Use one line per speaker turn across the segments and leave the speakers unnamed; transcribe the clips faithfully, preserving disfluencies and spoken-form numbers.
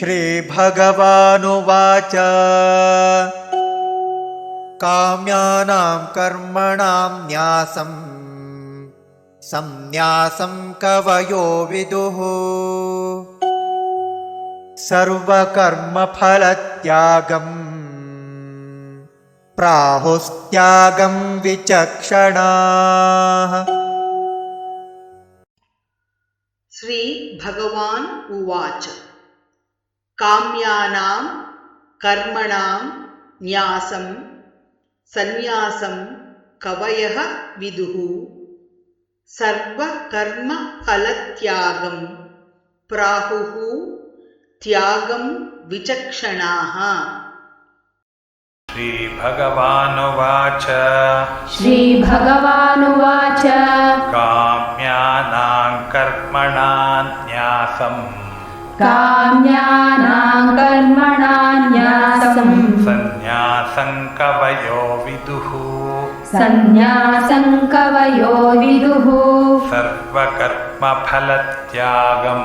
श्रीभगवानुवाच काम्यानां कर्मणां न्यासं संन्यासं कवयो विदुः सर्वकर्मफलत्यागं प्राहुस्त्यागं विचक्षणाः।
श्री भगवान् उवाच काम्यानां कर्मणां न्यासं संन्यासं कवयः विदुः सर्वकर्मफलत्यागं प्राहुः त्यागं विचक्षणाः।
श्रीभगवानुवाच
श्रीभगवानुवाच
काम्यानां कर्मणां न्यासं
काम्यानां कर्मणां न्यासं
संन्यासं कवयो विदुः
संन्यासं कवयो विदुः
सर्वकर्मफलत्यागं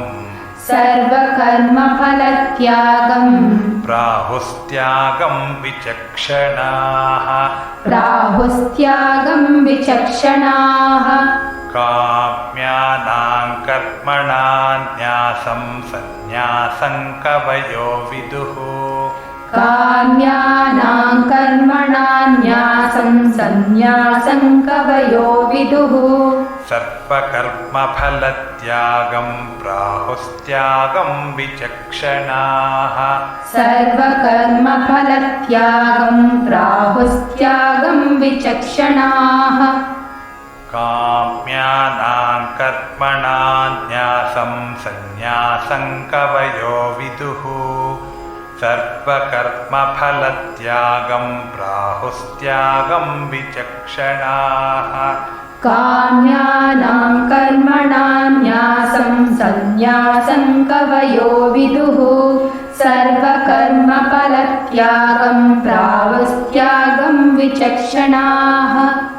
सर्वकर्मफलत्यागं
प्राहुस्त्यागं विचक्षणाः
प्राहुस्त्यागं विचक्षणाः।
काम्यानां कर्मणां न्यासं संन्यासं कवयो विदुः
काम्यानां कर्मणां न्यासं संन्यासं कवयो विदुः
सर्वकर्मफलत्यागं प्राहुस्त्यागं विचक्षणाः
सर्वकर्मफलत्यागं प्राहुस्त्यागं विचक्षणाः।
काम्यानां कर्मणां न्यासं संन्यासं कवयो विदुः सर्वकर्मफलत्यागं प्राहुस्त्यागं विचक्षणाः।
काम्यानां कर्मणां न्यासं संन्यासं कवयो विदुः सर्वकर्मफलत्यागं प्राहुस्त्यागं विचक्षणाः।